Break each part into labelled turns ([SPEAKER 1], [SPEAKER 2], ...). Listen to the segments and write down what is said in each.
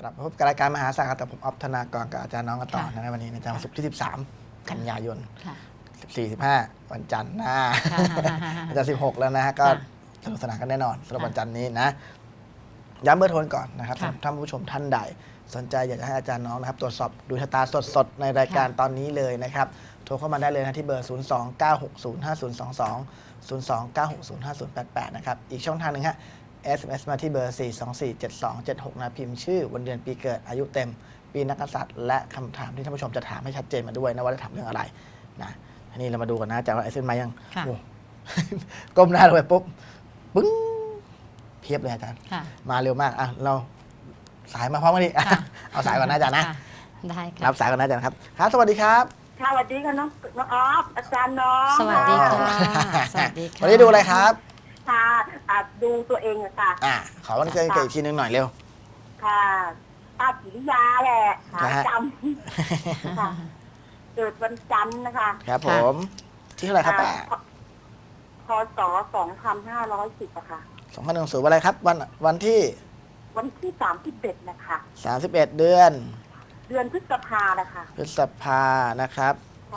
[SPEAKER 1] ลับพบกับรายการมหาศาลแต่ผมออฟธนากรกับอาจารย์น้องกันต่อในวันนี้ในวันศุกร์ที่13 กันยายน14-15 วันจันทร์หน้าอาจารย์16 แล้วนะฮะก็สนุกสนานกันแน่นอนสำหรับวันจันทร์นี้นะย้ำเบอร์โทรก่อนนะครับท่านผู้ชมท่านใดสนใจอยากจะให้อาจารย์น้องนะครับตรวจสอบดูชะตาสดๆในรายการตอนนี้เลยนะครับโทรเข้ามาได้เลยนะที่เบอร์ 029605022 029605088 นะครับอีกช่องทางหนึ่งฮะ SMS มาที่เบอร์ 4247276 นะพิมพ์ชื่อวันเดือนปีเกิดอายุเต็มปีนักกษัตริย์และคำถามที่ท่านผู้ชมจะถามให้ชัดเจนมาด้วยนะว่าจะถามเรื่องอะไรนะทีนี้เรามาดูกันนะอาจารย์ว่าSMS มายังก้มหน้าลงไปปุ๊บปึ้งเพียบเลยอาจารย์มาเร็วมากอ่ะเราสายมาพร้อมกันดิเอาสายก่อนนะอาจารย์นะ
[SPEAKER 2] ได้ครับ
[SPEAKER 1] รับสายก่อนนะอาจารย์ครับครับสวัสดีครับ
[SPEAKER 3] สวัสดีค่ะน้องออฟอาจารย์น้อง
[SPEAKER 2] สวัสดีค่ะสวัสดีค่ะ
[SPEAKER 1] วันนี้ดูอะไรครับ
[SPEAKER 3] ค่ะดูตัวเองอะค่ะ
[SPEAKER 1] ขอวันเกิดอีกทีนึงหน่อยเร็ว
[SPEAKER 3] ค่ะป้ากิริยาแหละหาจำค่ะเกิดวันจันทร์นะคะ
[SPEAKER 1] ครับผมที่เท่าไหร่ครับป้า
[SPEAKER 3] พศ2510อะค่ะ
[SPEAKER 1] 2010อะไรครับวันที่
[SPEAKER 3] 31นะคะ
[SPEAKER 1] 31เดือน
[SPEAKER 3] พฤษภานะคะ
[SPEAKER 1] พฤษภานะครับ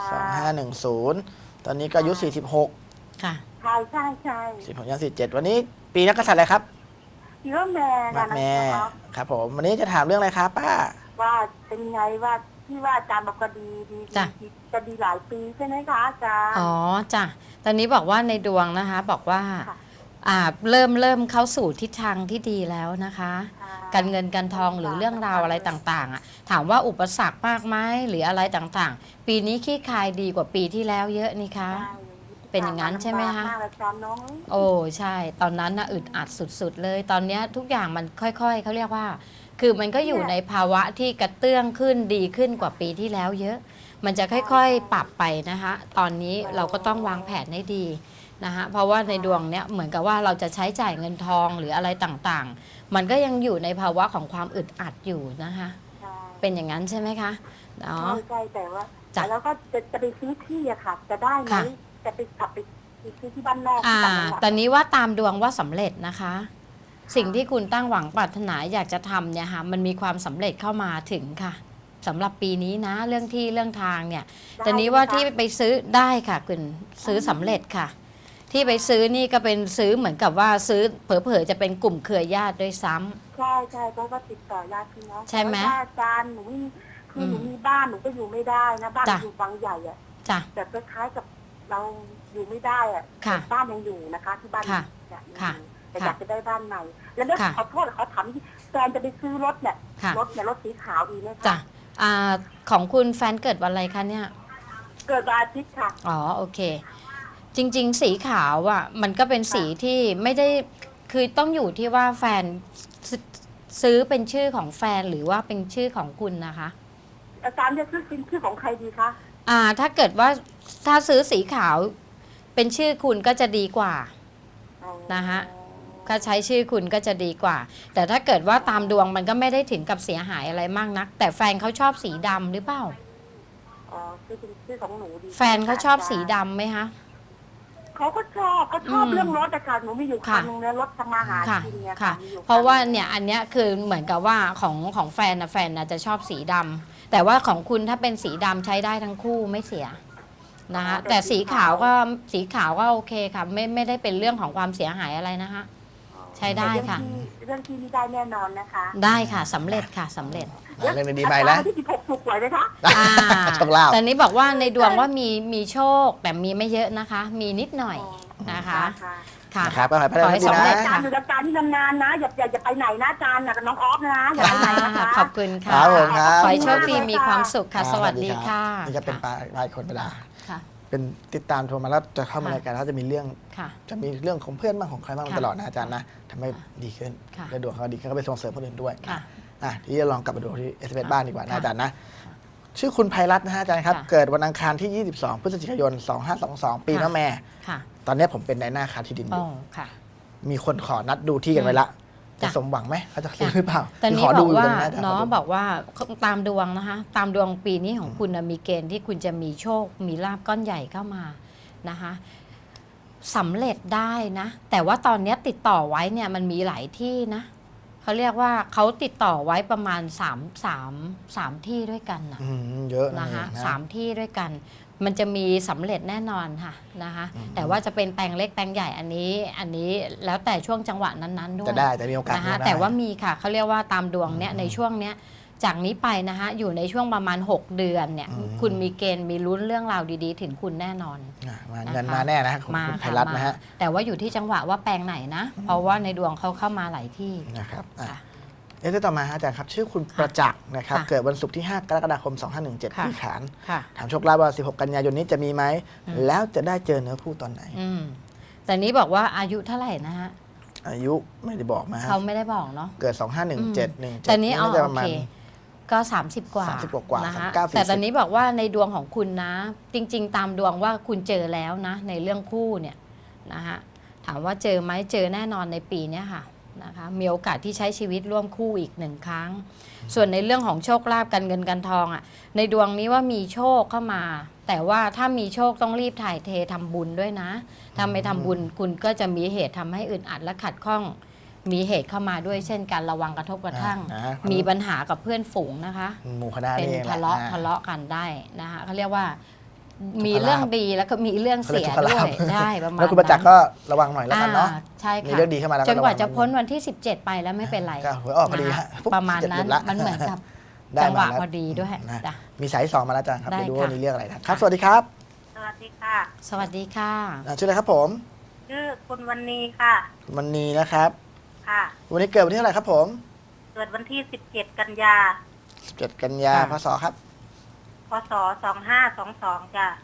[SPEAKER 1] 2510ตอนนี้ก็อายุ46
[SPEAKER 2] ค่ะ
[SPEAKER 3] ใช่
[SPEAKER 1] 16ย่าง47วันนี้ปีนักกษัตริย์อะไรครับ
[SPEAKER 3] ปีมะแม่
[SPEAKER 1] ครับผมวันนี้จะถามเรื่องอะไรครับป้า
[SPEAKER 3] ว่าเป็นไงว่าที่ว่าอาจารย์บอกก็ดีจะดีหลายปีใช่ไหมคะอาจารย์
[SPEAKER 2] อ๋อจ้ะตอนนี้บอกว่าในดวงนะคะบอกว่าเริ่มเข้าสู่ทิศทางที่ดีแล้วนะคะการเงินการทองหรือเรื่องราวอะไรต่างๆถามว่าอุปสรรคมากไหมหรืออะไรต่างๆปีนี้ขี้คายดีกว่าปีที่แล้วเยอะนี่คะเป็นอย่างนั้นใช่ไหมคะโอ้ใช่ตอนนั้นน่ะอึดอัดสุดๆเลยตอนนี้ทุกอย่างมันค่อยๆเขาเรียกว่าคือมันก็อยู่ในภาวะที่กระเตื้องขึ้นดีขึ้นกว่าปีที่แล้วเยอะมันจะค่อยๆปรับไปนะคะตอนนี้เราก็ต้องวางแผนให้ดีนะคะเพราะว่าในดวงเนี้ยเหมือนกับว่าเราจะใช้จ่ายเงินทองหรืออะไรต่างๆมันก็ยังอยู่ในภาวะของความอึดอัดอยู่นะคะเป็นอย่างนั้นใช่ไหมคะ
[SPEAKER 3] ใช่แต่ว่าแล้วก็จะไปซื้อที่อะค่ะจะได้ไหมจะไปกลับไปซื้อที่บ้านนอก
[SPEAKER 2] ตอนนี้ว่าตามดวงว่าสำเร็จนะคะสิ่งที่คุณตั้งหวังปรารถนาอยากจะทำเนี่ยค่ะมันมีความสำเร็จเข้ามาถึงค่ะสำหรับปีนี้นะเรื่องที่เรื่องทางเนี่ยตอนนี้ว่าที่ไปซื้อได้ค่ะคุณซื้อสำเร็จค่ะที่ไปซื้อนี่ก็เป็นซื้อเหมือนกับว่าซื้อเผลอๆจะเป็นกลุ่มเครือญาติด้วยซ้ำ
[SPEAKER 3] ใช่เพราะว่าติดต่อญาติพี่น้อง
[SPEAKER 2] ใช่ไหม
[SPEAKER 3] อาจารย์หนูคือหนูมีบ้านหนูก็อยู่ไม่ได้นะบ้านอยู่บางใหญ่อะแต่คล้ายๆกับเราอยู่ไม่ได้อะบ้านยังอยู่นะคะที่บ้านแต่อยากจะได้บ้านใหม่แล้วขอโทษเขาถามแฟนจะไปซื้อรถเนี่ยรถสีขาวดีไหมคะ
[SPEAKER 2] จ้ะของคุณแฟนเกิดวันอะไรคะเนี่ย
[SPEAKER 3] เกิดวันอาทิตย์ค่ะ
[SPEAKER 2] อ๋อโอเคจริงๆสีขาวอ่ะมันก็เป็นสีที่ไม่ได้คือต้องอยู่ที่ว่าแฟนซื้อเป็นชื่อของแฟนหรือว่าเป็นชื่อของคุณนะคะ
[SPEAKER 3] อาจารย์จะซื้อเป็นชื่อของใครดีคะ
[SPEAKER 2] ถ้าเกิดว่าถ้าซื้อสีขาวเป็นชื่อคุณก็จะดีกว่านะคะถ้าใช้ชื่อคุณก็จะดีกว่าแต่ถ้าเกิดว่าตามดวงมันก็ไม่ได้ถึงกับเสียหายอะไรมากนักแต่แฟนเขาชอบสีดำหรือเปล่า
[SPEAKER 3] ชื่อของหนูดี
[SPEAKER 2] แฟนเขาชอบสีดำไหมคะ
[SPEAKER 3] เขาชอบเรื่องรถแต่ค่ะหนูมีอยู่คันนึงเนี่ยรถทำมาหากินเนี่ยค่ะ
[SPEAKER 2] เพราะว่าเนี่ยอันเนี้ยคือเหมือนกับว่าของแฟนจะชอบสีดำแต่ว่าของคุณถ้าเป็นสีดำใช้ได้ทั้งคู่ไม่เสียนะคะแต่สีขาวก็โอเคค่ะไม่ได้เป็นเรื่องของความเสียหายอะไรนะคะใช้ได้ค่ะ
[SPEAKER 3] เรื่องที่ได้แน่นอนนะคะ
[SPEAKER 2] ได้ค่ะสำเร็จค่ะสำเร็จ
[SPEAKER 1] เรื่องดีไปแล้ว
[SPEAKER 3] ที่16ถูกหวยไหมคะ
[SPEAKER 1] โชคลาภ
[SPEAKER 2] แต่นี้บอกว่าในดวงว่ามีโชคแต่มีไม่เยอะนะคะมีนิดหน่อยนะคะ
[SPEAKER 1] ค่ะครับขอให้
[SPEAKER 3] สำเร็จอาจารย์อยู่กับการที่นานๆนะอย่าไปไหนนะอาจารย์กับน้องออฟนะอย่าไปไหนนะคะ
[SPEAKER 2] ขอบคุณค่ะขอให้โชคดีมีความสุขค่ะสวัสดีค่ะ
[SPEAKER 1] นี่จะเป็นรายคนเวลาเป็นติดตามโทรมาแล้วจะเข้ามารายการเขาจะมีเรื่องของเพื่อนบ้างของใครบ้างตลอดนะอาจารย์นะทำให้ดีขึ้นและดวงเขาดีขึ้นก็ไปส่งเสริมคนอื่นด้วยที่จะลองกลับมาดูที่SMSบ้านดีกว่านะอาจารย์นะชื่อคุณไพรัตน์นะฮะอาจารย์ครับเกิดวันอังคารที่22พฤศจิกายน2522ปีมะแม่ตอนนี้ผมเป็นนายหน้าค้าที่ดินอยู่มีคนขอนัดดูที่กันไว้ละจะสมหวังไหมเขาจะซื้อหรือเปล่า
[SPEAKER 2] ตอนนี้บอกว่าน้องบอกว่าตามดวงนะคะตามดวงปีนี้ของคุณมีเกณฑ์ที่คุณจะมีโชคมีลาภก้อนใหญ่เข้ามานะคะสำเร็จได้นะแต่ว่าตอนนี้ติดต่อไว้เนี่ยมันมีหลายที่นะเขาเรียกว่าเขาติดต่อไว้ประมาณ3ที่ด้วยกันนะ
[SPEAKER 1] เยอะ
[SPEAKER 2] นะคะ3ที่ด้วยกัน มันจะมีสำเร็จแน่นอนค่ะนะคะแต่ว่าจะเป็นแปลงเล็กแปลงใหญ่อันนี้แล้วแต่ช่วงจังหวะนั้นๆด้วย
[SPEAKER 1] จะได้แต่มีโอกาส
[SPEAKER 2] นะคะ
[SPEAKER 1] ได้
[SPEAKER 2] แต่ว่ามีค่ะเขาเรียกว่าตามดวงเนี้ยในช่วงเนี้ยจากนี้ไปนะคะอยู่ในช่วงประมาณ6เดือนเนี่ยคุณมีเกณฑ์มีลุ้นเรื่องราวดีๆ ถึงคุณแน่นอน
[SPEAKER 1] เงินมาแน่นะของคุณไพรัตน์นะฮะ
[SPEAKER 2] แต่ว่าอยู่ที่จังหวะว่าแปลงไหนนะ เพราะว่าในดวงเขาเข้ามาหลายที่
[SPEAKER 1] นะครับต่อมาอาจารย์ครับชื่อคุณประจักษ์นะครับเกิดวันศุกร์ที่ 5 กรกฎาคม 2517ที่ขานถามโชคลาภว่า16 กันยายนนี้จะมีไหมแล้วจะได้เจอเนื้อคู่ตอนไหน
[SPEAKER 2] แต่นี้บอกว่าอายุเท่าไหร่นะฮะ
[SPEAKER 1] อายุไม่ได้บอกมา
[SPEAKER 2] เขาไม่ได้บอกเนาะ
[SPEAKER 1] เกิด 2517
[SPEAKER 2] แต่นี้โอเคก็30 กว่านะคะแต่ตอนนี้บอกว่าในดวงของคุณนะ จริงๆตามดวงว่าคุณเจอแล้วนะในเรื่องคู่เนี่ยนะฮะถามว่าเจอไหมเจอแน่นอนในปีนี้ค่ะนะคะมีโอกาสที่ใช้ชีวิตร่วมคู่อีก1 ครั้งส่วนในเรื่องของโชคลาภการเงินการทองอ่ะในดวงนี้ว่ามีโชคเข้ามาแต่ว่าถ้ามีโชคต้องรีบถ่ายเททำบุญด้วยนะถ้าไม่ทำบุญคุณก็จะมีเหตุทำให้อึดอัดและขัดข้องมีเหตุเข้ามาด้วยเช่นการระวังกระทบกระทั่งมีปัญหากับเพื่อนฝูงนะคะ
[SPEAKER 1] หมู่คณะ
[SPEAKER 2] เป็นทะเลาะกันได้นะคะเขาเรียกว่ามีเรื่องดีแล้วก็มีเรื่องเสียด้วยได้ประมาณ
[SPEAKER 1] แล้วคุณประจักษ์ก็ระวังหน่อยแล้วกันเนาะ
[SPEAKER 2] ใช่ค่ะ
[SPEAKER 1] มีเรื่องดีเข้ามาแล้ว
[SPEAKER 2] จนกว่าจะพ้นวันที่17ไปแล้วไม่เป็นไร
[SPEAKER 1] หวยออกพอดี
[SPEAKER 2] ประมาณนั้นมันเหมือนกับจังหวะพอดีด้วย
[SPEAKER 1] มีสาย2มาแล้วจ้ะครับไปดูว่ามีเรื่องอะไรนะครับสวัสดีครับ
[SPEAKER 3] สวัสดีค่ะ
[SPEAKER 2] สวัสดีค่ะ
[SPEAKER 1] ชื่ออะไรครับผม
[SPEAKER 3] ชื่อคุณวรรณีค่ะ
[SPEAKER 1] วรรณีนะครับ
[SPEAKER 3] ค่ะ
[SPEAKER 1] วันนี้เกิดวันที่เท่าไหร่ครับผม
[SPEAKER 3] เกิดวันที่17 กันยา
[SPEAKER 1] 17 กันยาพศครับ
[SPEAKER 3] พศ2522จ้ะ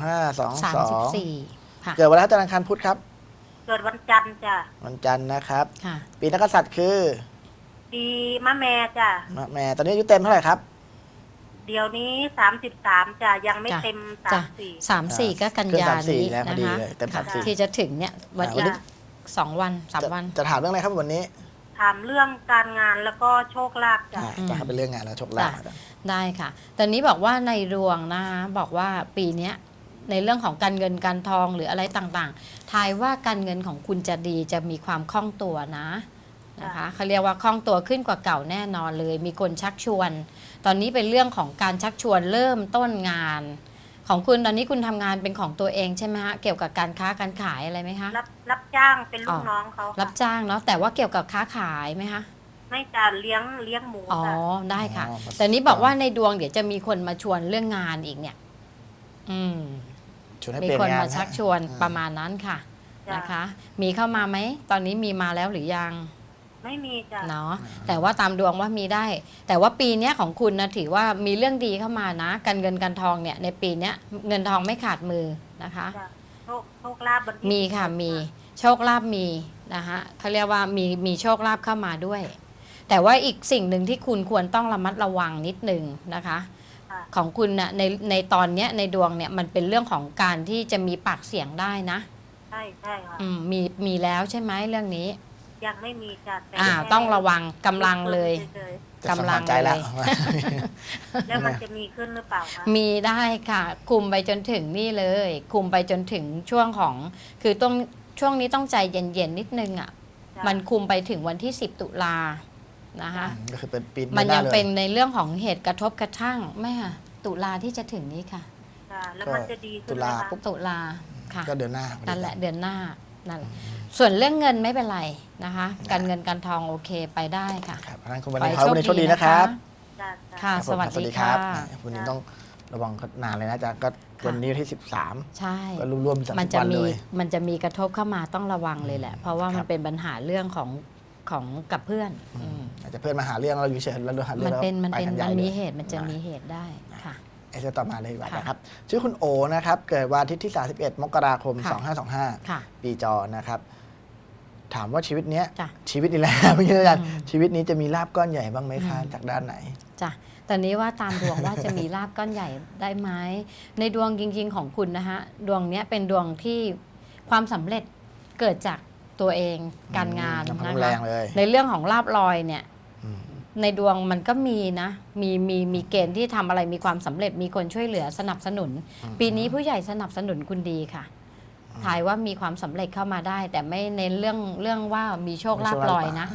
[SPEAKER 1] 2522ค่ะเกิดวันจันทร์อังคารพุธครับ
[SPEAKER 3] เกิดวันจันทร์จ้ะ
[SPEAKER 1] วันจันทร์นะครับปีนักกษัตริย์คือ
[SPEAKER 3] ปีมะแม่จ้ะ
[SPEAKER 1] มะแม่ตอนนี้อายุเต็มเท่าไหร่ครับ
[SPEAKER 3] เดี๋ยวนี้33จ้ะยังไม่เต็ม
[SPEAKER 2] 34ก็กันยานี้นะคะที่จะถึงเนี่ยวันอีก2 วัน3 วัน
[SPEAKER 1] จะถามเรื่องอะไรครับวันนี้
[SPEAKER 3] ถามเรื่องการงานแล้วก็โชคลาภจ้ะ
[SPEAKER 1] จะเป็นเรื่องงานแล้วโชคลาภ
[SPEAKER 2] ได้ค่ะตอนนี้บอกว่าในดวงนะคะบอกว่าปีนี้ในเรื่องของการเงินการทองหรืออะไรต่างๆทายว่าการเงินของคุณจะดีจะมีความคล่องตัวนะคะเขาเรียกว่าคล่องตัวขึ้นกว่าเก่าแน่นอนเลยมีคนชักชวนตอนนี้เป็นเรื่องของการชักชวนเริ่มต้นงานของคุณตอนนี้คุณทำงานเป็นของตัวเองใช่ไหมฮะเกี่ยวกับการค้าการขายอะไรไหมคะ
[SPEAKER 3] รับจ้างเป็นลูกน้องเขา
[SPEAKER 2] รับจ้างเนาะแต่ว่าเกี่ยวกับค้าขายไหมคะ
[SPEAKER 3] ไม่จะเลี้ยงหมู
[SPEAKER 2] ได้ค่ะแต่นี้บอกว่าในดวงเดี๋ยวจะมีคนมาชวนเรื่องงานอีกเนี่ยมีคนมาชักชวนประมาณนั้นค่ะนะคะมีเข้ามาไหมตอนนี้มีมาแล้วหรือยัง
[SPEAKER 3] ไม่มีจ้ะ
[SPEAKER 2] เนาะแต่ว่าตามดวงว่ามีได้แต่ว่าปีนี้ของคุณนะถือว่ามีเรื่องดีเข้ามานะการเงินการทองเนี่ยในปีนี้เงินทองไม่ขาดมือนะคะ
[SPEAKER 3] โชคลาภ
[SPEAKER 2] มีค่ะมีโชคลาภมีนะคะเขาเรียกว่ามีโชคลาภเข้ามาด้วยแต่ว่าอีกสิ่งหนึ่งที่คุณควรต้องระมัดระวังนิดนึงนะคะของคุณนะในตอนนี้ในดวงเนี่ยมันเป็นเรื่องของการที่จะมีปากเสียงได้นะ
[SPEAKER 3] ใช่ค่ะ
[SPEAKER 2] มีแล้วใช่ไหมเรื่องนี้
[SPEAKER 3] ยังไม่มีจ้
[SPEAKER 2] ะต้องระวังกำลังเลย
[SPEAKER 1] กำลังใจแล้ว
[SPEAKER 3] แล้วมันจะมีขึ้นหรือเปล่าคะ
[SPEAKER 2] มีได้ค่ะคุมไปจนถึงนี่เลยคุมไปจนถึงช่วงของคือต้องช่วงนี้ต้องใจเย็นๆนิดนึงอ่ะมันคุมไปถึงวันที่10 ตุลานะคะ
[SPEAKER 1] ก็คือเป็นปี
[SPEAKER 2] มันยังเป็นในเรื่องของเหตุกระทบกระทั่งไม่ค่ะตุลาที่จะถึงนี้ค่ะ
[SPEAKER 3] แล้วมันจะดี
[SPEAKER 2] ตุลาค่ะ
[SPEAKER 1] ก็เดือนหน้า
[SPEAKER 2] นั่นแหละเดือนหน้านั่นส่วนเรื่องเงินไม่เป็นไรนะคะการเงินการทองโอเคไปได้ค่ะ
[SPEAKER 1] ครับงั้นคุณวันนี้โชคดีนะครับ
[SPEAKER 2] ค่ะสวัสดีค่ะ
[SPEAKER 1] วันนี้ต้องระวังนานเลยนะจ๊ะก็วันนี้ที่13
[SPEAKER 2] ใช่
[SPEAKER 1] ก็รวมๆ
[SPEAKER 2] มันจะมีกระทบเข้ามาต้องระวังเลยแหละเพราะว่ามันเป็นปัญหาเรื่องของกับเพื่อน
[SPEAKER 1] อาจจะเพื่อนมาหาเรื่องเราอยู่เฉยๆแล้วเราหาเรื่อง
[SPEAKER 2] มันมีเหตุมันจะมีเหตุได้ค่ะ
[SPEAKER 1] ต่อมาเลยดีกว่านะครับชื่อคุณโอนะครับเกิดวันอาทิตย์ที่31 มกราคม 2525ปีจอนะครับถามว่าชีวิตนี้ชีวิตนี้แหละไม่ใช่อาจารย์ชีวิตนี้จะมีลาภก้อนใหญ่บ้างไหมคะจากด้านไหน
[SPEAKER 2] จ้ะตอนนี้ว่าตามดวงว่าจะมีลาภก้อนใหญ่ได้ไหมในดวงจริงๆของคุณนะฮะดวงนี้เป็นดวงที่ความสำเร็จเกิดจากตัวเองการงานนะคะในเรื่องของลาภลอยเนี่ยในดวงมันก็มีนะมีเกณฑ์ที่ทำอะไรมีความสำเร็จมีคนช่วยเหลือสนับสนุนปีนี้ผู้ใหญ่สนับสนุนคุณดีค่ะทายว่ามีความสำเร็จเข้ามาได้แต่ไม่เน้นเรื่องว่ามีโชคลาภลอยนะ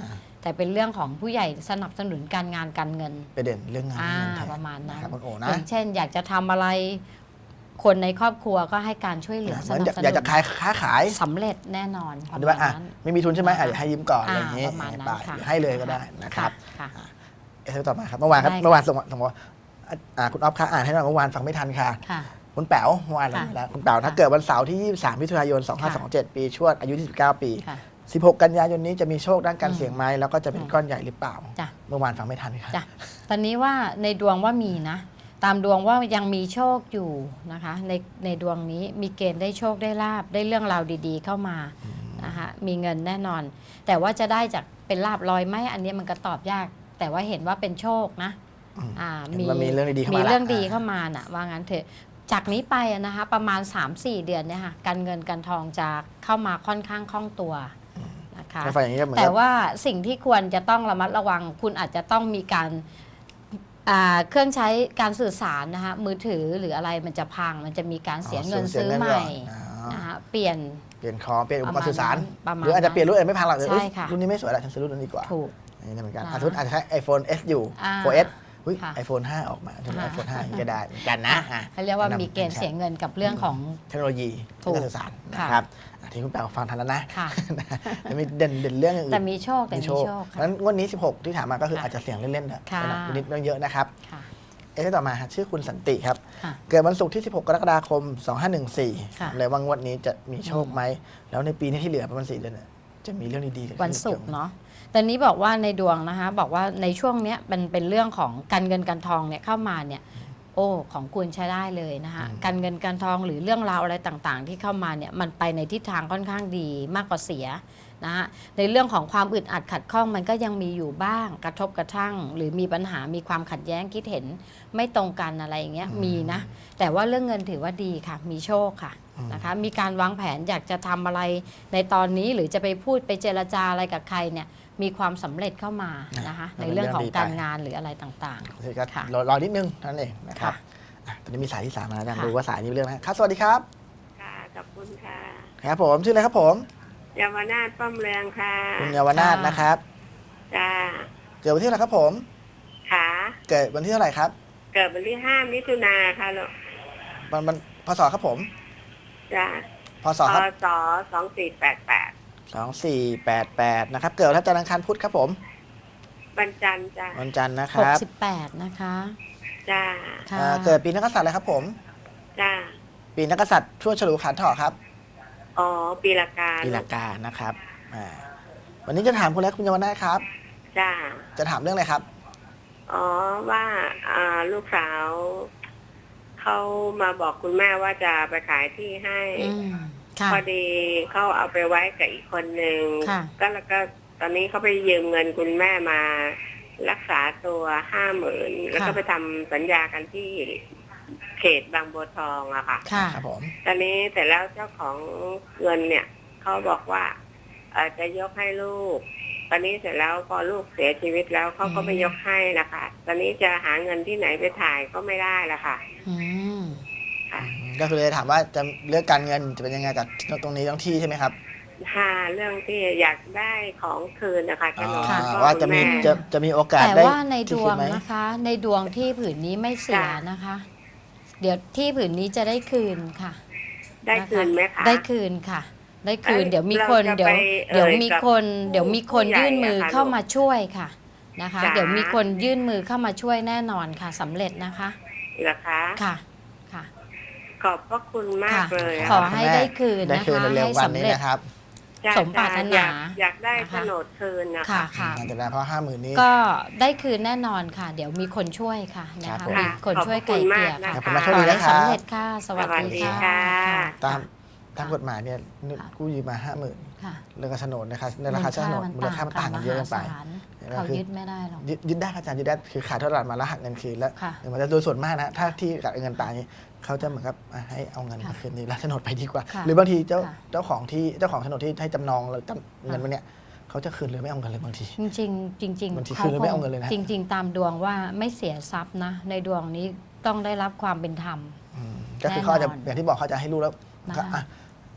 [SPEAKER 2] แต่เป็นเรื่องของผู้ใหญ่สนับสนุนการงานการเงิน
[SPEAKER 1] ไปเด่นเรื่องงานเงินแทน
[SPEAKER 2] ประมาณนั้น
[SPEAKER 1] ครับคุณโอนะ
[SPEAKER 2] อย่างเช่น อยากจะทำอะไรคนในครอบครัวก็ให้การช่วยเหลือสนับสนุน
[SPEAKER 1] อยากจะค้าขาย
[SPEAKER 2] สำเร็จแน่นอน
[SPEAKER 1] หรือว่าไม่มีทุนใช่ไหมเดี๋ยวให้ยืมก่อนอะไรอย่างนี้
[SPEAKER 2] ประมาณนั้นค่ะ
[SPEAKER 1] ให้เลยก็ได้นะครับ
[SPEAKER 2] ค่ะ
[SPEAKER 1] ต่อมาครับเมื่อวานครับ
[SPEAKER 2] ได้ค่ะ
[SPEAKER 1] เมื่อวานส่งว่าคุณอ๊อฟคะอ่านให้หน่อยเมื่อวานฟังไม่ทันค่ะ
[SPEAKER 2] ค่ะ
[SPEAKER 1] คุณแป๋วเมื่อวานเรา
[SPEAKER 2] ค่ะ
[SPEAKER 1] ไปแล้วคุณแป๋วถ้าเกิดวันเสาร์ที่ 23 มิถุนายน 2527 ปีชวดอายุ 29 ปี
[SPEAKER 2] ค่ะ
[SPEAKER 1] 16 กันยายนนี้จะมีโชคด้านการ
[SPEAKER 2] อืม
[SPEAKER 1] เสี่ยงไหมแล้วก็จะเป็นก้อนใหญ่หรือเปล่า
[SPEAKER 2] จ้ะ
[SPEAKER 1] เมื่อวานฟังไม่ทันค่ะ
[SPEAKER 2] จ้ะตอนนี้ว่าในดวงว่ามีนะ ตามดวงว่ายังมีโชคอยู่นะคะ ในดวงนี้มีเกณฑ์ได้โชคได้ลาบได้เรื่องราวดีๆเข้ามานะคะมีเงินแน่นอน แต่ว่าจะได้จากเป็นลาบลอยไหมอันนี้มันก็ตอบยาก แต่ว่าเห็นว่าเป็นโชคนะ
[SPEAKER 1] เห็นว่ามีเรื่องดีๆเข้ามา
[SPEAKER 2] มี
[SPEAKER 1] ละ
[SPEAKER 2] เรื่องดีเข้ามาน่ะว่างั้นเถอะจากนี้ไปอะนะคะประมาณ 3-4 เดือนเนี่ยค่ะการเงินการทองจะเข้ามาค่อนข้างคล่องตัวนะคะ
[SPEAKER 1] ถ้าฟังอย่างนี้ก็เหมือน
[SPEAKER 2] แต่
[SPEAKER 1] กับ
[SPEAKER 2] ว่าสิ่งที่ควรจะต้องระมัดระวังคุณอาจจะต้องมีการเครื่องใช้การสื่อสารนะคะมือถือหรืออะไรมันจะพังมันจะมีการเสียเงินซื้อใหม่นะคะเปลี่ยน
[SPEAKER 1] เปลี่ยนของเปลี่ยนอุปกรณ์สื่อสาร
[SPEAKER 2] ประมาณ
[SPEAKER 1] หรืออาจจะเปลี่ยนรุ่นอื่นไม่พังหรอก
[SPEAKER 2] ใช่ค่ะ
[SPEAKER 1] รุ่นนี้ไม่สวยแล้วฉันซื้อรุ่นนั้นดีกว่า
[SPEAKER 2] ถูก
[SPEAKER 1] อันนี้เหมือนกัน
[SPEAKER 2] นะ
[SPEAKER 1] สมมติอาจจะใช้ iPhone S อยู่ 4S
[SPEAKER 2] ค่ะ
[SPEAKER 1] iPhone 5 ออกมาถึง
[SPEAKER 2] ค่ะ
[SPEAKER 1] iPhone 5 อย่างนี้ก็ได้เหมือนกันนะ
[SPEAKER 2] เขาเรียกว่ามีเกณฑ์เสียเงินกับเรื่องของ
[SPEAKER 1] เทคโนโลยี
[SPEAKER 2] ถูก
[SPEAKER 1] การสื่อสาร
[SPEAKER 2] ค่ะ
[SPEAKER 1] นะครับที่คุณแปลฟังทันแล้วนะ
[SPEAKER 2] ค่ะ
[SPEAKER 1] จะมีเด่นเรื่องอื่น
[SPEAKER 2] แต่มีโชคแต่มีโชค
[SPEAKER 1] เพราะฉะนั้นงวดนี้ 16 ที่ถามมาก็คืออาจจะเสี่ยงเล่นๆนะ
[SPEAKER 2] ค่ะ
[SPEAKER 1] นิดเยอะนะครับ
[SPEAKER 2] ค่ะ
[SPEAKER 1] ต่อมาชื่อคุณสันติครับ
[SPEAKER 2] ค่ะ
[SPEAKER 1] เกิดวันศุกร์ที่ 16 กรกฎาคม
[SPEAKER 2] ค่ะ
[SPEAKER 1] 2514เลยว่างวดนี้จะมีโชคไหม แล้วในปีนี้ที่เหลือประมาณ4 เดือนเนี่ยจะมีเรื่องดีๆเกิดขึ้น
[SPEAKER 2] วันศุกร์เนาะตอนนี้บอกว่าในดวงนะคะบอกว่าในช่วงเนี้ยมันเป็นเรื่องของการเงินการทองเนี่ยเข้ามาเนี่ยโอ้ของคุณใช้ได้เลยนะคะการเงินการทองหรือเรื่องราวอะไรต่างๆ ที่เข้ามาเนี่ยมันไปในทิศทางค่อนข้างดีมากกว่าเสียนะคะในเรื่องของความอึดอัดขัดข้องมันก็ยังมีอยู่บ้างกระทบกระทั่ง หรือมีปัญหามีความขัดแย้งคิดเห็นไม่ตรงกันอะไรอย่างเงี้ยมีนะแต่ว่าเรื่องเงินถือว่าดีค่ะมีโชคค่ะนะคะมีการวางแผนอยากจะทำอะไรในตอนนี้หรือจะไปพูดไปเจรจาอะไรกับใครเนี่ยมีความสำเร็จเข้ามานะคะในเรื่องของการงานหรืออะไรต่าง
[SPEAKER 1] โอเคครับ
[SPEAKER 2] ค่ะ
[SPEAKER 1] รอนิดนึงเท่านั้นเองนะครับ
[SPEAKER 2] ค่ะ
[SPEAKER 1] ตอนนี้มีสายที่ 3 มาแล้วกัน
[SPEAKER 2] ค่ะ
[SPEAKER 1] ดูว่าสายนี้มีเรื่องนะครับสวัสดีครับ
[SPEAKER 3] ค่ะขอบคุณค่ะ
[SPEAKER 1] ครับผมชื่ออะไรครับผม
[SPEAKER 3] เยาวนาถป้อมเรืองค่ะ
[SPEAKER 1] คุณเยาวนาถนะครับ
[SPEAKER 3] จ้า
[SPEAKER 1] เกิดวันที่เท่าไหร่ครับผม
[SPEAKER 3] ค่ะ
[SPEAKER 1] เกิดวันที่เท่าไหร่ครับ
[SPEAKER 3] เกิดวันที่5 มิถุนาค่ะลูก
[SPEAKER 1] วันพศครับผม
[SPEAKER 3] จ้า
[SPEAKER 1] พศครับ
[SPEAKER 3] ศ2488
[SPEAKER 1] 2488นะครับเกิดวันจันทร์อังคารพุธครับผม
[SPEAKER 3] วันจันทร์จ้า
[SPEAKER 1] วันจันทร์นะค
[SPEAKER 2] ๆ
[SPEAKER 1] รับ
[SPEAKER 2] 68นะคะ
[SPEAKER 3] จ้า
[SPEAKER 2] ค่ะ
[SPEAKER 1] เกิดปีนักกษัตริย์อะไรครับผม
[SPEAKER 3] จ้า
[SPEAKER 1] ปีนักกษัตริย์ช่วงฉลูขันธ์เถาะครับ
[SPEAKER 3] อ๋อปีละกา
[SPEAKER 1] ปีละกานะครับวันนี้จะถามคุณแล้วคุณเยาวนาถครับ
[SPEAKER 3] จ้า
[SPEAKER 1] จะถามเรื่องอะไรครับ
[SPEAKER 3] อ๋อว่าลูกสาวเขามาบอกคุณแม่ว่าจะไปขายที่ให้
[SPEAKER 2] ค่ะ
[SPEAKER 3] พอดีเขาเอาไปไว้กับอีกคนหนึ่ง
[SPEAKER 2] ค่ะ
[SPEAKER 3] แล้วก็ตอนนี้เขาไปยืมเงินคุณแม่มารักษาตัว50,000แล้วก็ไปทำสัญญากันที่เขตบางบัวทองอะค่ะ
[SPEAKER 2] ค่ะ
[SPEAKER 1] ครับผม
[SPEAKER 3] ตอนนี้แต่แล้วเจ้าของเงินเนี่ยเขาบอกว่าจะยกให้ลูก ตอนนี้เสร็จแล้วพอลูกเสียชีวิตแล้วเขาก็ไม่ยกให้นะคะ ตอนนี้จะหาเงินที่ไหนไปถ่ายก็ไม่ได้ละค่ะ
[SPEAKER 2] อืม
[SPEAKER 3] ค่ะ
[SPEAKER 1] ก็คือเลยถามว่าจะเลือกการเงินจะเป็นยังไงกับตรงนี้ต้องที่ใช่ไหมครับ
[SPEAKER 3] หาเรื่องที่อยากได้ของคืนนะคะโฉนด
[SPEAKER 2] ค่ะ
[SPEAKER 3] พ่อ
[SPEAKER 1] ว่าจะมี
[SPEAKER 3] คุณแ
[SPEAKER 1] จะมีโอกาส
[SPEAKER 2] แต่
[SPEAKER 1] ได้
[SPEAKER 2] ว่าในดวง
[SPEAKER 1] ที่คิไหม
[SPEAKER 2] นะคะ ในดวงที่ผืนนี้ไม่เสีย
[SPEAKER 3] ค่ะ
[SPEAKER 2] นะคะ เดี๋ยวที่ผืนนี้จะได้คืนค่ะ
[SPEAKER 3] ได้คืนไหมคะ
[SPEAKER 2] ได้คืนค่ะ ได้คืน
[SPEAKER 3] เอ้ย
[SPEAKER 2] เดี๋ยวมีคน
[SPEAKER 3] เราจะ
[SPEAKER 2] เดี๋ยว
[SPEAKER 3] ไป
[SPEAKER 2] มี
[SPEAKER 3] กับ
[SPEAKER 2] คน เดี๋ยวมีคน
[SPEAKER 3] ผู้ใหญ่
[SPEAKER 2] ยื่นมือ
[SPEAKER 3] อะค่ะ
[SPEAKER 2] เข้ามาช่วยค่ะนะคะ
[SPEAKER 3] จ๋า
[SPEAKER 2] เดี๋ยวมีคนยื่นมือเข้ามาช่วยแน่นอนค่ะสำเร็จนะคะ
[SPEAKER 3] เหรอคะ
[SPEAKER 2] ค่ะค่ะ
[SPEAKER 3] ขอบพระคุณมากเลย
[SPEAKER 2] ขอให้ได้คืน
[SPEAKER 1] ได้
[SPEAKER 2] นะ
[SPEAKER 1] คืน
[SPEAKER 2] คะ
[SPEAKER 1] เร็ว
[SPEAKER 2] ให้
[SPEAKER 1] ๆวัน
[SPEAKER 2] สำ
[SPEAKER 1] นี้
[SPEAKER 2] เร็จ
[SPEAKER 1] นะครับ
[SPEAKER 3] จ้ะ
[SPEAKER 2] สมปรารถนา
[SPEAKER 3] อยากได้
[SPEAKER 2] นะคะ
[SPEAKER 3] โฉนดคืนนะ
[SPEAKER 2] ค่ะ
[SPEAKER 3] คะ
[SPEAKER 2] ค่ะ
[SPEAKER 1] จะได้เพราะ50,000นี้
[SPEAKER 2] ก็ได้คืนแน่นอนค่ะ เดี๋ยวมีคนช่วยค่ะนะ
[SPEAKER 1] ครั
[SPEAKER 2] คะ
[SPEAKER 1] บผม
[SPEAKER 2] มีคนช่วยไกลเกลี่ยค่ะ
[SPEAKER 1] ขอบคุณมาก
[SPEAKER 2] ข
[SPEAKER 1] โชค
[SPEAKER 2] อ
[SPEAKER 1] ดี
[SPEAKER 2] ให้
[SPEAKER 1] นะครับ
[SPEAKER 2] สำเร็จค่ะ สวัสดีค่ะ
[SPEAKER 1] ตามกฎหมายเนี่ยกู้ยืมมา50,000
[SPEAKER 2] ค่ะ
[SPEAKER 1] เรื่องการโฉนดนะครับในราคาโฉนดมูลค่ามันต่างกันเยอะเกินไป
[SPEAKER 2] เขายึดไม่ได้หรอก
[SPEAKER 1] ยึดได้ครับอาจารย์ยึดได้คือขายทอดตลาดมาแล้วหักเงินคืนแล้ว
[SPEAKER 2] ค่ะ
[SPEAKER 1] มันจะโดยส่วนมากนะถ้าที่กับเงินตายนี่เขาจะเหมือนกับให้เอาเงินมาคืนนี้แล้วโฉนดไปดีกว่า
[SPEAKER 2] ค่ะ
[SPEAKER 1] หรือบางทีเจ้า
[SPEAKER 2] ค่ะ
[SPEAKER 1] เจ้าของโฉนดที่ให้จำนองแล้วเงินมันเนี่ยเขาจะคืนเลยไม่เอาเงินเลยบางที
[SPEAKER 2] จริงๆจริง
[SPEAKER 1] บางที
[SPEAKER 2] ๆ
[SPEAKER 1] คืนแล้วไม่เอาเงินเลยนะ
[SPEAKER 2] จริง ๆ ตามดวงว่าไม่เสียทรัพย์นะ ในดวงนี้ต้องได้รับความเป็นธรรม
[SPEAKER 1] ก็คือเขาอาจจะ
[SPEAKER 2] แน่นอน
[SPEAKER 1] อย่างที่บอกเขาจะให้รู้แล้วก็
[SPEAKER 2] นะคะ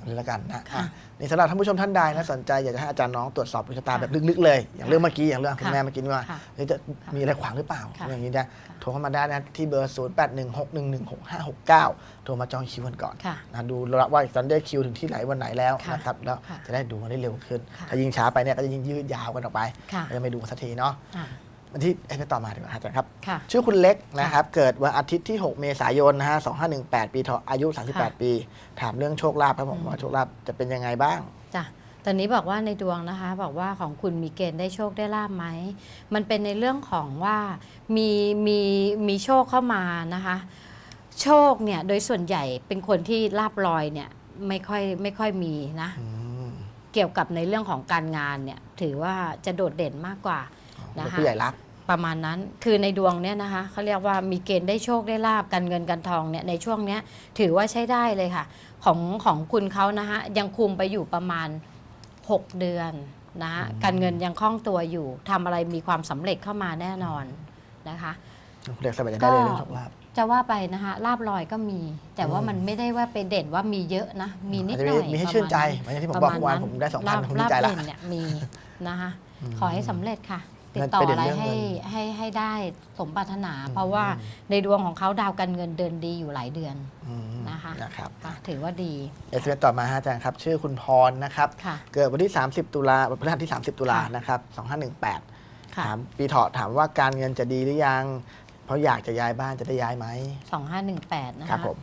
[SPEAKER 1] นี่แล้วกันนะนี่สำหรับท่านผู้ชมท่านใดนะสนใจอยากจะให้อาจารย์น้องตรวจสอบดวงชะตาแบบลึกๆเลยอย่างเรื่องเมื่อกี้อย่างเรื่องคุณแม่เมื่อกี้ว่าจะมีอะไรขวางหรือเปล่าอย่างนี้นะโทรเข้ามาได้นะที่เบอร์ 0816116569 โทรมาจองคิวกันก่อนนะดูว่าตอนได้คิวถึงที่ไหนวันไหนแล้วนะครับแล้วจะได้ดูกันได้เร็วขึ้นถ้ายิ่งช้าไปเนี่ยก็จะยิ่งยืดยาวกันออกไปจะไม่ดูสักทีเนาะวันที่ไปต่อมาดีกว่าอาจารย์ครับชื่อคุณเล็กนะครับเกิดวันอาทิตย์ที่6 เมษายนนะฮะ2518 ปีเถาะอายุ38 ปีถามเรื่องโชคลาภครับผมว่าโชคลาภจะเป็นยังไงบ้าง
[SPEAKER 2] จ้ะตอนนี้บอกว่าในดวงนะคะบอกว่าของคุณมีเกณฑ์ได้โชคได้ลาภไหมมันเป็นในเรื่องของว่ามีโชคเข้ามานะคะโชคเนี่ยโดยส่วนใหญ่เป็นคนที่ลาภลอยเนี่ยไม่ค่อยมีนะเกี่ยวกับในเรื่องของการงานเนี่ยถือว่าจะโดดเด่นมากกว่านะคะ
[SPEAKER 1] ผู้ใหญ่รัก
[SPEAKER 2] ประมาณนั้นคือในดวงเนี่ยนะคะเขาเรียกว่ามีเกณฑ์ได้โชคได้ลาบการเงินการทองเนี่ยในช่วงเนี้ยถือว่าใช้ได้เลยค่ะของคุณเขานะคะยังคุมไปอยู่ประมาณ6 เดือนนะคะการเงินยังคล่องตัวอยู่ทำอะไรมีความสำเร็จเข้ามาแน่นอนนะคะ
[SPEAKER 1] เรียกสบายใจได้เลยเรื่องโชคลาภ
[SPEAKER 2] จะว่าไปนะคะลาบลอยก็มีแต่ว่ามันไม่ได้ว่าไปเด่นว่ามีเยอะนะมีนิดหน่อย
[SPEAKER 1] มีให้ชื่นใจเหมือนที่ผมบอกเมื่อวานผมได้ 2,000 ผมดีใจละ
[SPEAKER 2] เนี่ยมีนะคะขอให้สำเร็จค่ะติดต่ออะไรให้ได้สมปรารถนาเพราะว่าในดวงของเขาดาวการเงินเดินดีอยู่หลายเดือนนะคะถือว่าดี
[SPEAKER 1] เอสเอ็มต่อมาอาจารย์ครับชื่อคุณพรนะครับเกิดวันที่30 ตุลาพฤหัสที่30 ตุลานะครับ2518ถามปีเถาะถามว่าการเงินจะดีหรือยังเพราะอยากจะย้ายบ้านจะได้ย้ายไหม
[SPEAKER 2] 2518นะคะ
[SPEAKER 1] ครับผม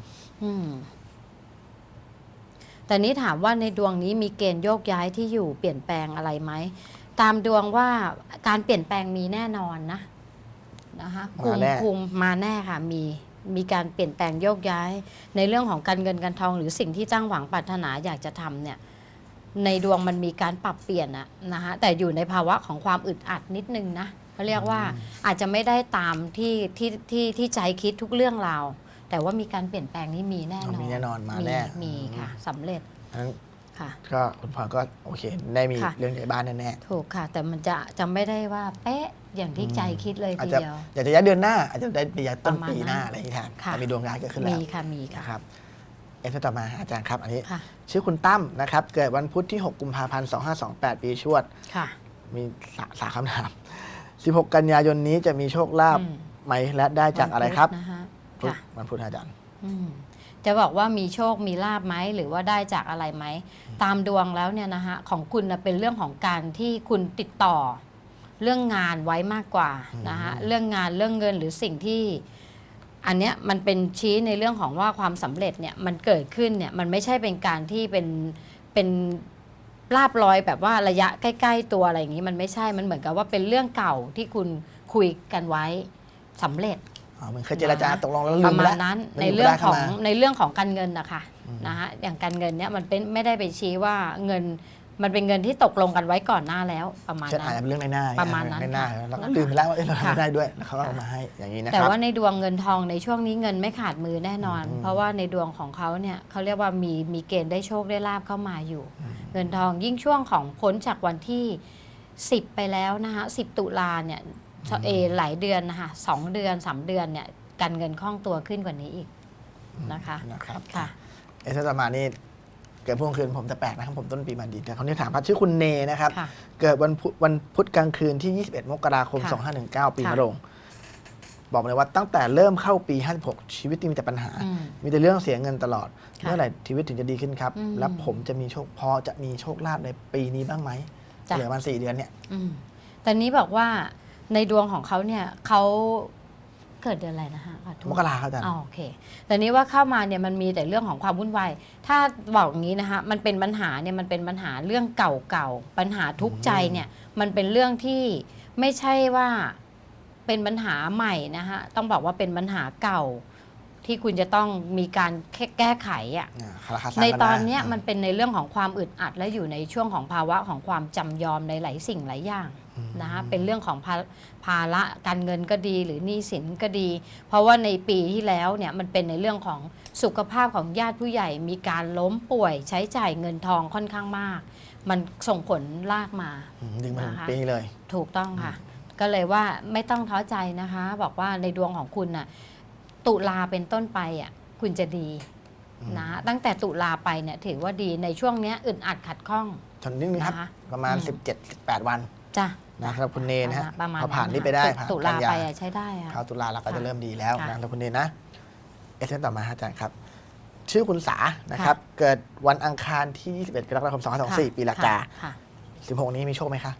[SPEAKER 2] แต่นี้ถามว่าในดวงนี้มีเกณฑ์โยกย้ายที่อยู่เปลี่ยนแปลงอะไรไหมตามดวงว่าการเปลี่ยนแปลงมีแน่นอนนะคะคุมมาแน่ค่ะมีการเปลี่ยนแปลงโยกย้ายในเรื่องของการเงินการทองหรือสิ่งที่ตั้งหวังปรารถนาอยากจะทำเนี่ยในดวงมันมีการปรับเปลี่ยนนะคะแต่อยู่ในภาวะของความอึดอัดนิดนึงนะเขาเรียกว่าอาจจะไม่ได้ตามที่ใจคิดทุกเรื่องราวแต่ว่ามีการเปลี่ยนแปลงนี้มีแน่นอน
[SPEAKER 1] มีแน่นอนมาแน่
[SPEAKER 2] มีค่ะสำเร็จ
[SPEAKER 1] ก็คุณพ่อก็โอเคได้มีเรื่องในบ้านแน่
[SPEAKER 2] ถูกค่ะแต่มันจะไม่ได้ว่าเป๊ะอย่างที่ใจคิดเลยทีเดียว
[SPEAKER 1] อยากจะย้ายเดือนหน้าอาจจะได้ไปย้ายต้นปีหน้าอะไรอย่างนี้แทนแต่มีดวงย้ายเกิดขึ้นแล้ว
[SPEAKER 2] มีค่ะ
[SPEAKER 1] ครับเอสต่อมาอาจารย์ครับอันนี้ชื่อคุณตั้มนะครับเกิดวันพุธที่6 กุมภาพันธ์2528 ปีชวดมี3 คำถาม16 กันยายนนี้จะมีโชคลาภไหมและได้จากอะไรครับวันพุธอาจารย์
[SPEAKER 2] จะบอกว่ามีโชคมีลาภไหมหรือว่าได้จากอะไรไหมตามดวงแล้วเนี่ยนะคะของคุณเป็นเรื่องของการที่คุณติดต่อเรื่องงานไว้มากกว่านะคะเรื่องงานเรื่องเงินหรือสิ่งที่อันเนี้ยมันเป็นชี้ในเรื่องของว่าความสำเร็จเนี่ยมันเกิดขึ้นเนี่ยมันไม่ใช่เป็นการที่เป็นลาภลอยแบบว่าระยะใกล้ๆตัวอะไรอย่างนี้มันไม่ใช่มันเหมือนกับว่าเป็นเรื่องเก่าที่คุณคุยกันไว้สำเร็จ
[SPEAKER 1] เหมือนเคยเจรจาตกลงแล้ว
[SPEAKER 2] ลืมแล้วประมาณนั้นในเรื่องของการเงินนะคะอย่างการเงินเนี่ยมันเป็นไม่ได้ไปชี้ว่าเงินมันเป็นเงินที่ตกลงกันไว้ก่อนหน้าแล้วประมาณนั้น
[SPEAKER 1] อาจจะเป็นเรื่องในหน้า
[SPEAKER 2] ประมาณนั้น
[SPEAKER 1] แล้วก็ลืมไปแล้วว่าเราทำได้ด้วยแล้วเขาก็เอามาให้อย่างนี้นะครับ
[SPEAKER 2] แต่ว่าในดวงเงินทองในช่วงนี้เงินไม่ขาดมือแน่นอนเพราะว่าในดวงของเขาเนี่ยเขาเรียกว่ามีเกณฑ์ได้โชคได้ลาภเข้ามาอยู่เงินทองยิ่งช่วงของพ้นจากวันที่10ไปแล้วนะคะ10 ตุลาเนี่ยหลายเดือนนะคะ2 เดือน3 เดือนเนี่ยการเงินคล่องตัวขึ้นกว่านี้อีกนะคะ
[SPEAKER 1] ค่ะเอสต่อมานี่เกิดพวกคืนผมจะแปลกนะครับผมต้นปีมาดีแต่เขาเนี่ยถามพัดชื่อคุณเนนะครับเกิดวันพุธกลางคืนที่21 มกราคม2519 ปีมะโรงบอกเลยว่าตั้งแต่เริ่มเข้าปี56ชีวิตมีแต่ปัญหามีแต่เรื่องเสียเงินตลอดเมื่อไหร่ชีวิตถึงจะดีขึ้นครับแล้วผมจะมีโชคพอจะมีโชคลาภในปีนี้บ้างไหมเหลือมัน4 เดือนเนี่ย
[SPEAKER 2] ตอนนี้บอกว่าในดวงของเขาเนี่ยเขาเกิดเดือนอะไรนะคะ
[SPEAKER 1] มกราครับอาจารย์
[SPEAKER 2] โอเคแต่นี้ว่าเข้ามาเนี่ยมันมีแต่เรื่องของความวุ่นวายถ้าบอกอย่างนี้นะคะมันเป็นปัญหาเนี่ยมันเป็นปัญหาเรื่องเก่าๆปัญหาทุกข์ใจเนี่ยมันเป็นเรื่องที่ไม่ใช่ว่าเป็นปัญหาใหม่นะคะต้องบอกว่าเป็นปัญหาเก่าที่คุณจะต้องมีการแก้ไขในตอนนี้มันเป็นในเรื่องของความอึดอัดและอยู่ในช่วงของภาวะของความจำยอมในหลายสิ่งหลายอย่างนะคะเป็นเรื่องของภาระการเงินก็ดีหรือหนี้สินก็ดี เพราะว่าในปีที่แล้วเนี่ยมันเป็นในเรื่องของสุขภาพของญาติผู้ใหญ่มีการล้มป่วยใช้จ่ายเงินทองค่อนข้างมากมันส่งผลลากมา
[SPEAKER 1] ดึงมาถึงปีเลย
[SPEAKER 2] ถูกต้องค่ะก็เลยว่าไม่ต้องท้อใจนะคะบอกว่าในดวงของคุณน่ะตุลาเป็นต้นไปคุณจะดีนะตั้งแต่ตุลาไปเนี่ยถือว่าดีในช่วงเนี้ยอึดอัดขัดข้อง
[SPEAKER 1] ทนนิดนึงครับ
[SPEAKER 2] นะคะ
[SPEAKER 1] ประมาณ 17-18 วัน
[SPEAKER 2] จ้ะ
[SPEAKER 1] นะครับคุณเนนะฮะ
[SPEAKER 2] ประมาณ
[SPEAKER 1] พอผ่านนี่ไปได้
[SPEAKER 2] ตุ
[SPEAKER 1] กั
[SPEAKER 2] ลาน
[SPEAKER 1] ยา
[SPEAKER 2] ไปใช้ได้อะ
[SPEAKER 1] เข้าตุลาเราก็จะ
[SPEAKER 2] ค่ะ
[SPEAKER 1] เริ่มดีแล้ว
[SPEAKER 2] ค่ะ
[SPEAKER 1] นะคุณเนนะเอสเอ็นต่อมาฮะอาจารย์ครับ ชื่อคุณสานะครับ เกิดวันอังคารที่ 21 กรกฎาคม 2524 ปีละกา
[SPEAKER 2] ค่ะ
[SPEAKER 1] 16 นี้มีโชคไหมคะ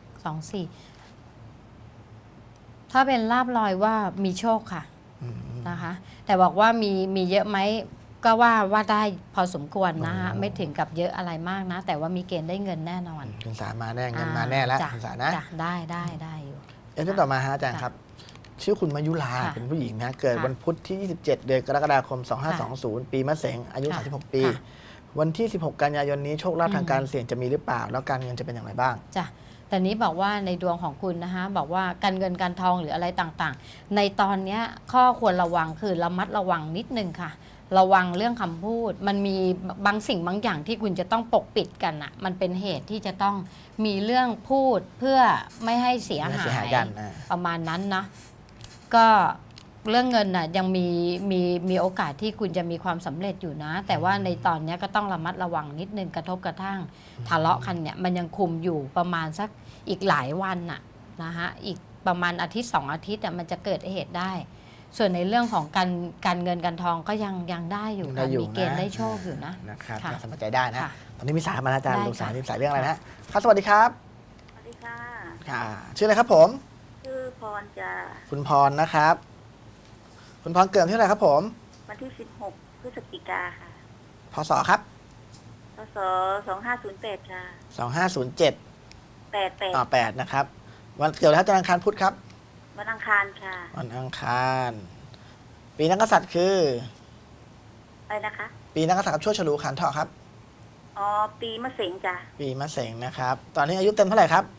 [SPEAKER 2] 24ถ้าเป็นลาบลอยว่ามีโชคค่ะ
[SPEAKER 1] อืม
[SPEAKER 2] นะคะ แต่บอกว่ามีเยอะไหมก็ว่าได้พอสมควรนะฮะ
[SPEAKER 1] อ๋อ
[SPEAKER 2] ไม่ถึงกับเยอะอะไรมากนะ แต่ว่ามีเกณฑ์ได้เงินแน่นอน
[SPEAKER 1] คุณสามาแน่เงินมาแน่แล้ว
[SPEAKER 2] จ้ะ
[SPEAKER 1] คุณสานะ
[SPEAKER 2] จ้ะได้อยู่
[SPEAKER 1] เอสเอ็นต่อมาฮะอาจารย์ครับ ชื่อคุณมายุรา
[SPEAKER 2] ค่ะ
[SPEAKER 1] เป็นผู้หญิงนะเกิด
[SPEAKER 2] ค่ะ
[SPEAKER 1] วันพุธที่ 27 เดือนกรกฎาคม 2520 ปีมะเสงอายุ
[SPEAKER 2] ค่ะ
[SPEAKER 1] 36 ปี
[SPEAKER 2] ค่ะ
[SPEAKER 1] วันที่ 16 กันยายนนี้โชคลาภ
[SPEAKER 2] อืม
[SPEAKER 1] ทางการเสี่ยงจะมีหรือเปล่า แล้วการเงินจะเป็นอย่างไรบ้าง
[SPEAKER 2] จ้ะแต่นี้บอกว่าในดวงของคุณนะคะบอกว่าการเงินการทองหรืออะไรต่างๆ ในตอนเนี้ยข้อควรระวังคือระมัดระวังนิดนึงค่ะ ระวังเรื่องคำพูด มันมีบางสิ่งบางอย่างที่คุณจะต้องปกปิดกันอะมันเป็นเหตุที่จะต้องมีเรื่องพูดเพื่อไม่ให้เสีย
[SPEAKER 1] ไม่
[SPEAKER 2] หา
[SPEAKER 1] เสียหาย
[SPEAKER 2] ย
[SPEAKER 1] กัน
[SPEAKER 2] ประมาณนั้นนะก็เรื่องเงินน่ะยังมีโอกาสที่คุณจะมีความสำเร็จอยู่นะ แต่ว่าในตอนเนี้ยก็ต้องระมัดระวังนิดนึงกระทบกระทั่งทะเลาะกันเนี่ยมันยังคุมอยู่ประมาณสักอีกหลายวันน่ะนะฮะอีกประมาณอาทิตย์2 อาทิตย์มันจะเกิดเหตุได้ ส่วนในเรื่องของการเงินการทองก็ยังได้อยู่
[SPEAKER 1] ได้
[SPEAKER 2] ค่ะ
[SPEAKER 1] อยู่
[SPEAKER 2] มีเกณฑ์
[SPEAKER 1] นะ
[SPEAKER 2] ได้โชคอยู่นะ
[SPEAKER 1] นะครับ
[SPEAKER 2] ค่ะ
[SPEAKER 1] สบายใจได้นะ
[SPEAKER 2] ค่ะ
[SPEAKER 1] ตอนนี้มีสายมาแล้วอาจารย์
[SPEAKER 2] ได้
[SPEAKER 1] ลูกสาว
[SPEAKER 2] ค่ะ
[SPEAKER 1] นี่สายเรื่องอะไรนะครับสวัสดีครับ
[SPEAKER 3] สวัสดีค่ะ
[SPEAKER 1] ค่ะชื่ออะไรครับผม
[SPEAKER 3] ชื่อพรจะ
[SPEAKER 1] คุณพรนะครับ คุณพรเกิดที่อะไหรครับผม
[SPEAKER 3] วันที่ 16 พฤศจิกาค่ะ
[SPEAKER 1] พศครับ
[SPEAKER 3] พศ2508 ค่ะ
[SPEAKER 1] 2507
[SPEAKER 3] 88
[SPEAKER 1] 8นะครับ วันเกิดแล้วอาจารย์อังคารพุธครับ
[SPEAKER 3] วันอังคารค่ะ
[SPEAKER 1] วันอังคาร ปีนักกษัตริย์คือ
[SPEAKER 3] อะไรนะคะ
[SPEAKER 1] ปีนักกษัตริย์กับชั่วฉลูขันเถาะครับ
[SPEAKER 3] อ๋อ ปีมะเสงจ้ะ
[SPEAKER 1] ปีมะเสงนะครับ ตอนนี้อายุเต็มเท่าไหร่ครับ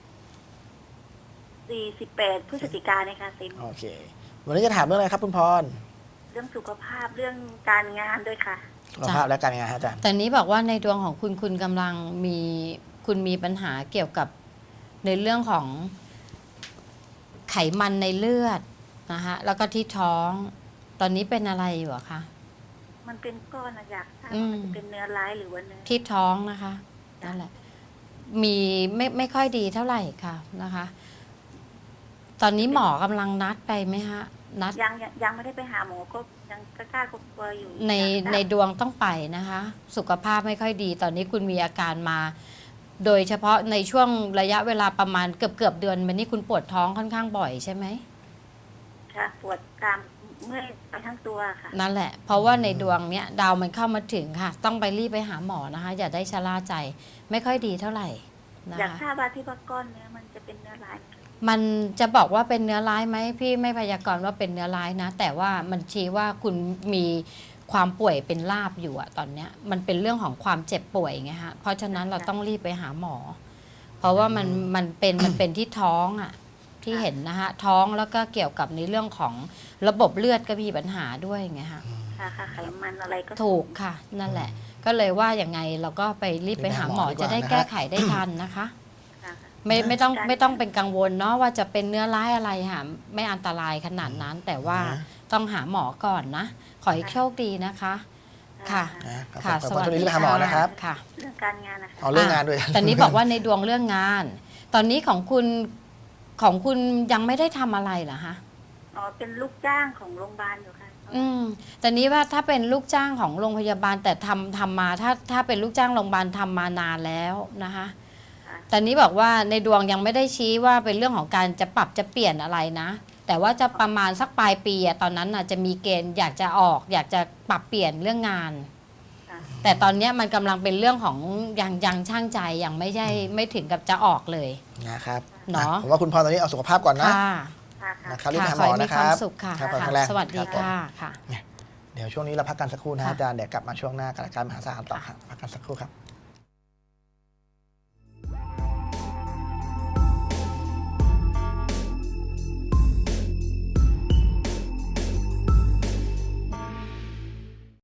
[SPEAKER 3] 48 พฤศจิกาเนี่ยค่ะเต็ม
[SPEAKER 1] โอเค วันนี้จะถามเรื่องอะไรครับคุณพร
[SPEAKER 3] เรื่องสุขภาพเรื่องการงานด้วยค่ะ
[SPEAKER 1] สุขภาพและการงานฮะอาจารย์
[SPEAKER 2] แต่นี้บอกว่าในดวงของคุณกำลังมีปัญหาเกี่ยวกับในเรื่องของไขมันในเลือดนะคะแล้วก็ที่ท้อง ตอนนี้เป็นอะไรอยู่อะคะ
[SPEAKER 3] มันเป็นก้อนอะอยากทราบ
[SPEAKER 2] อื
[SPEAKER 3] ว่าม มันจะเป็นเนื้อร้ายหรือว่าเนื้อ
[SPEAKER 2] ที่ท้องนะคะนั่นแหละมีไม่ค่อยดีเท่าไหร่ค่ะนะคะ ตอนนี้หมอกำลังนัดไปไหมฮะนัด
[SPEAKER 3] ยังไม่ได้ไปหาหมอก็ยังกล้ากลัวๆอยู่
[SPEAKER 2] ใน
[SPEAKER 3] อยากทราบ
[SPEAKER 2] ในดวงต้องไปนะคะ สุขภาพไม่ค่อยดี ตอนนี้คุณมีอาการมา โดยเฉพาะในช่วงระยะเวลาประมาณเกือบเดือนมานี้คุณปวดท้องค่อนข้างบ่อยใช่ไหม
[SPEAKER 3] ค่ะ ปวดกรามเมื่อยไปทั้งตัวค่ะ
[SPEAKER 2] นั่นแหละ เพราะว่าในดวงเนี้ยดาวมันเข้ามาถึงค่ะ ต้องไปรีบไปหาหมอนะคะ อย่าได้ชะล่าใจ ไม่ค่อยดีเท่าไหร่นะ
[SPEAKER 3] อยาก
[SPEAKER 2] คะ
[SPEAKER 3] ทราบว่าที่ว่าก้อนเนื้อมันจะเป็นเนื้อร้ายไหม
[SPEAKER 2] มันจะบอกว่าเป็นเนื้อร้ายไหมพี่ไม่พยากรณ์ว่าเป็นเนื้อร้ายนะ แต่ว่ามันชี้ว่าคุณมีความป่วยเป็นลาบอยู่อะตอนเนี้ยมันเป็นเรื่องของความเจ็บป่วยไงฮะเพราะฉะนั้นเราต้องรีบไปหาหมอ เพราะว่ามันเป็นที่ท้องอะที่เห็นนะฮะท้องแล้วก็เกี่ยวกับในเรื่องของระบบเลือดก็มีปัญหาด้วยไงฮะ
[SPEAKER 3] ค่ะค่ะไขมันอะไรก็
[SPEAKER 2] ถูกค่ะนั่นแหละ ก็เลยว่าอย่างไงเราก็ไปรีบไปหาหมอจะได้แก้ไขได้ทันนะคะ
[SPEAKER 3] ค่ะ
[SPEAKER 2] ไม่ต้องเป็นกังวลเนาะว่าจะเป็นเนื้อร้ายอะไรค่ะไม่อันตรายขนาดนั้น แต่ว่าต้องหาหมอก่อนนะ ขอให้โชคดีนะคะ ค่ะ
[SPEAKER 1] นะครับ
[SPEAKER 2] ค่ะ
[SPEAKER 1] ขอบคุณช่วงนี้รีบไปหาหมอนะครับ
[SPEAKER 2] ค่ะ
[SPEAKER 3] เรื่องการงานนะคะ
[SPEAKER 1] เอาเรื่องงานด้วย
[SPEAKER 2] ตอนนี้บอกว่าในดวงเรื่องงาน ตอนนี้ของคุณยังไม่ได้ทำอะไรเหรอคะ
[SPEAKER 3] อ๋อเป็นลูกจ้างของโรงพยาบาลอยู่ค่ะ
[SPEAKER 2] แต่นี้ว่าถ้าเป็นลูกจ้างของโรงพยาบาลแต่ทำมาถ้าเป็นลูกจ้างโรงพยาบาลทำมานานแล้วนะคะ
[SPEAKER 3] ค่ะ
[SPEAKER 2] แต่นี้บอกว่าในดวงยังไม่ได้ชี้ว่าเป็นเรื่องของการจะปรับจะเปลี่ยนอะไรนะ แต่ว่าจะประมาณสักปลายปีอะตอนนั้นน่ะจะมีเกณฑ์อยากจะออกอยากจะปรับเปลี่ยนเรื่องงาน
[SPEAKER 3] ค่ะ
[SPEAKER 2] แต่ตอนเนี้ยมันกำลังเป็นเรื่องของยังช่างใจยังไม่ถึงกับจะออกเลย
[SPEAKER 1] นะครับ
[SPEAKER 2] เนาะ
[SPEAKER 1] ผมว่าคุณพรตอนนี้เอาสุขภาพก่อนนะ
[SPEAKER 2] ค่ะ
[SPEAKER 3] ค่ะค่ะ
[SPEAKER 1] นะครับรีบไป
[SPEAKER 2] ค่ะ
[SPEAKER 1] หา
[SPEAKER 2] ข
[SPEAKER 1] ห
[SPEAKER 2] อ
[SPEAKER 1] มอ
[SPEAKER 2] ให้มี
[SPEAKER 1] นะค
[SPEAKER 2] ควา
[SPEAKER 1] รั
[SPEAKER 2] ม
[SPEAKER 1] บ
[SPEAKER 2] สุขค่ะ
[SPEAKER 1] ครับ
[SPEAKER 2] ค่ะ
[SPEAKER 1] แข็งแรง
[SPEAKER 2] สวัสดี
[SPEAKER 1] ครับผม
[SPEAKER 2] ค่ะค่ะ
[SPEAKER 1] เดี๋ยวช่วงนี้เราพักกันสักครู่นะ
[SPEAKER 2] ค่ะ
[SPEAKER 1] อาจารย์เดี๋ยวกลับมาช่วงหน้ากับรายการมหาศาลต่อครับพักกันสักครู่ครับ